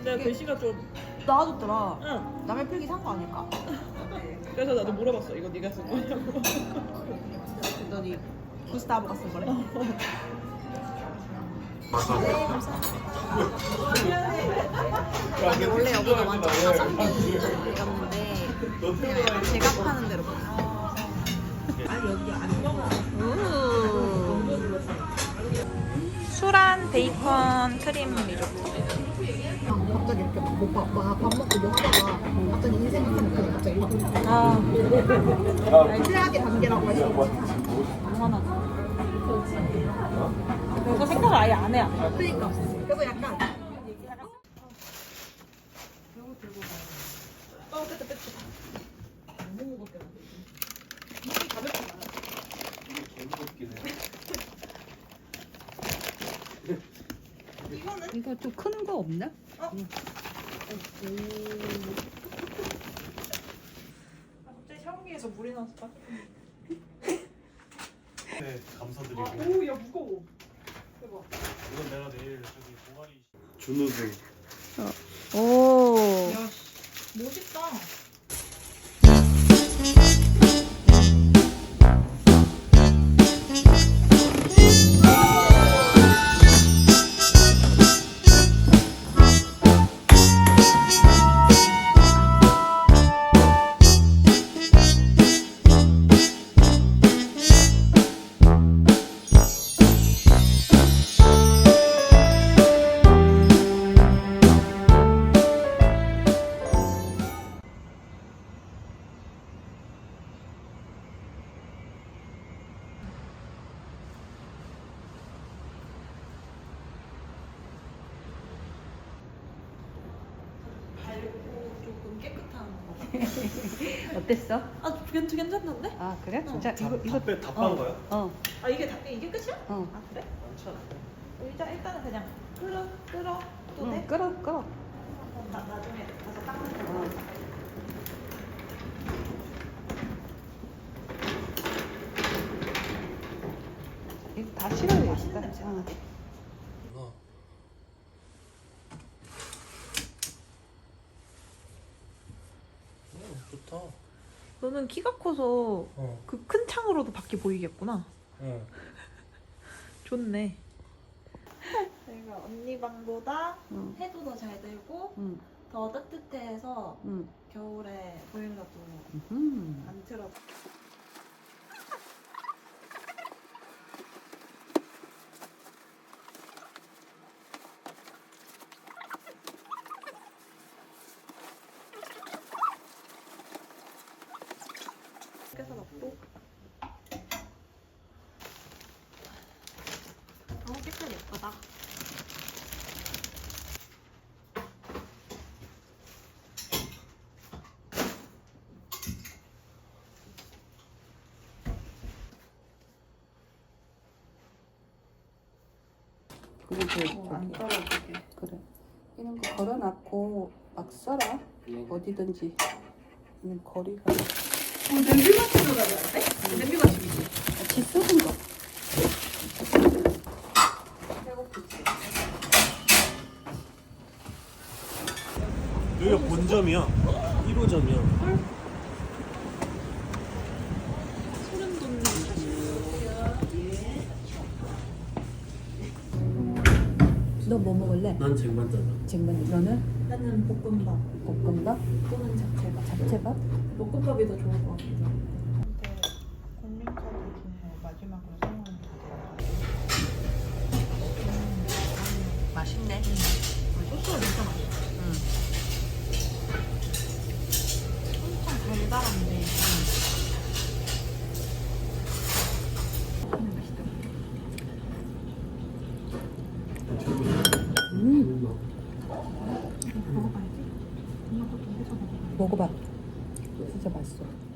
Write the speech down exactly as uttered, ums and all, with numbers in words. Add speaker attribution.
Speaker 1: 내가 글씨가 좀
Speaker 2: 나아졌더라.
Speaker 1: 응.
Speaker 2: 남의 필기 산 거 아닐까?
Speaker 1: 그래서 나도 물어봤어. 이거 네가 쓴 거냐고.
Speaker 2: 그랬더니 구스타브가 쓴 거래. 이게 원래 여기가 완전 가성비였는데 그냥 약간 제가 파는 대로 보여.
Speaker 3: 수란 베이컨 크림 리조또.
Speaker 2: 갑자기 이렇게 못 봐. 밥 먹고 뭐 하다가 갑자기 인생 같은 그 갑자기 막
Speaker 3: 아,
Speaker 2: 최악의 단계라고 하지.
Speaker 3: 당연하죠. 그래서 생각을 아예 안 해. 안 해.
Speaker 2: 그러니까. 그래서 약간
Speaker 1: 어, 됐다, 됐다. 너무 무겁게 만들지. 이게 가볍게 나와.
Speaker 4: 이게 개무겁긴 해.
Speaker 1: 이거는?
Speaker 2: 이거 좀 큰 거 없나?
Speaker 1: 어? 응. 아, 갑자기 샤워기에서 물이 나와서 빠
Speaker 4: 네, 감사드리고.
Speaker 1: 오, 야, 무거워. 대박.
Speaker 4: 이건 내가 내일 저기 동아리 준우승.
Speaker 3: 오.
Speaker 1: 야, 멋있다. 조금 깨끗한 거.
Speaker 2: 어땠어?
Speaker 1: 아, 괜찮, 괜찮던데?
Speaker 2: 아 그래? 진짜
Speaker 4: 다,
Speaker 2: 이거 이거
Speaker 4: 다, 빼, 다 빤 거야?
Speaker 2: 어
Speaker 1: 아, 이게 다, 이게 끝이야?
Speaker 2: 어.
Speaker 1: 아, 그래?
Speaker 4: 많지 않아.
Speaker 1: 일단, 일단은 그냥 끓어, 끓어. 또
Speaker 2: 응,
Speaker 1: 돼?
Speaker 2: 끌어 끌어.
Speaker 1: 나, 나중에 가서 닦는 거.
Speaker 2: 어. 이거 다 실어야
Speaker 1: 맛있는 냄새
Speaker 2: 어.
Speaker 1: 나네.
Speaker 4: 어. 어, 좋다.
Speaker 1: 너는 키가 커서
Speaker 4: 어.
Speaker 1: 그 큰 창으로도 밖이 보이겠구나.
Speaker 4: 어.
Speaker 1: 좋네. 저희가 언니 방보다
Speaker 2: 응.
Speaker 1: 해도 더 잘 들고
Speaker 2: 응.
Speaker 1: 더 따뜻해서
Speaker 2: 응.
Speaker 1: 겨울에 보일러도
Speaker 2: 음.
Speaker 1: 안 틀어. 깨서 넣고. 너무 색깔 예쁘다.
Speaker 2: 그리고
Speaker 1: 어, 안 떨어지게.
Speaker 2: 그래. 이런 거 걸어놨고 막 써라. 어디든지. 이 거리가.
Speaker 1: 어, 냄비 맞추러 가야 돼? 냄비 맞추기지.
Speaker 2: 같이 쓰는 거.
Speaker 4: 여기가 본점이야. 일 호점이야.
Speaker 1: 소름 돋는.
Speaker 2: 너 뭐 먹을래?
Speaker 4: 난 쟁반짜장.
Speaker 2: 쟁반 너는?
Speaker 1: 나는 볶음밥
Speaker 2: 볶음밥?
Speaker 1: 또는 잡채밥.
Speaker 2: 잡채밥?
Speaker 1: 볶음밥이 더 좋을 것 같기도 하고. 근데 공룡카드 중에 마지막으로 사용하는 게
Speaker 2: 맛있네.
Speaker 1: 소스가 진짜 맛있어.
Speaker 2: 응.
Speaker 1: 엄청 달달한데.
Speaker 2: 음.
Speaker 1: 먹어봐야지. 엄마 것도 해서 먹어.
Speaker 2: 먹어봐. 진짜 맛있어.